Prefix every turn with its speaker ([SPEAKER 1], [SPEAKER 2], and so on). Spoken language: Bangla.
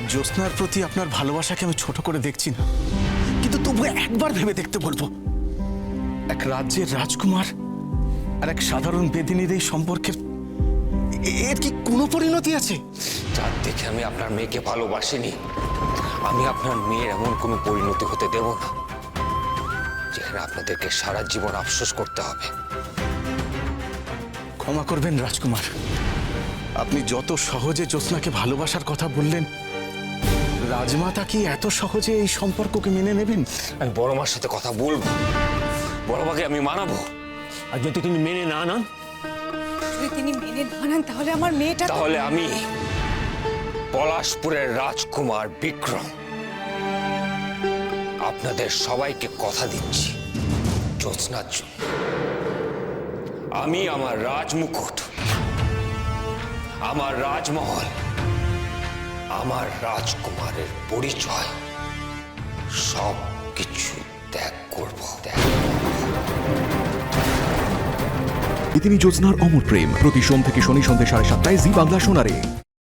[SPEAKER 1] জ্যোৎস্নার প্রতি আপনার ভালোবাসাকে আমি ছোট করে দেখছি না, কিন্তু তবু একবার ভেবে দেখতে বলবো, এক রাজ্যের রাজকুমার আর এক সাধারণ বেদিনীর এই সম্পর্কের এর কি কোনো পরিণতি আছে?
[SPEAKER 2] যার দেখে আমি আপনার মেয়েকে ভালোবাসিনি, আমি আপনার মেয়ের এমন কোনো পরিণতি হতে দেব না যেখানে আপনাদেরকে সারা জীবন আফসোস করতে হবে।
[SPEAKER 1] ক্ষমা করবেন রাজকুমার, আপনি যত সহজে জ্যোৎস্নাকে ভালোবাসার কথা বললেন, রাজমাতা কি এত সহজে এই সম্পর্ককে মেনে নেবেন?
[SPEAKER 2] আমি বড় মার সাথে কথা বলবো, বড় মাকে আমি মানাবো। আর যদি তিনি মেনে না নেন,
[SPEAKER 3] যদি তিনি মেনে না নেন তাহলে আমার মেয়েটা
[SPEAKER 2] তাহলে আমি পলাশপুরের রাজকুমার বিক্রম আপনাদের সবাইকে কথা দিচ্ছি, জ্যোৎস্নার জন্য আমি আমার রাজমুকুট, আমার রাজমহল, আমার রাজকুমারের পরিচয় সব কিছু ত্যাগ করব।
[SPEAKER 4] তিনি জ্যোৎস্নার অমর প্রেম প্রতি সোম থেকে শনি সন্ধ্যে 7:30 জি বাংলা সোনারে।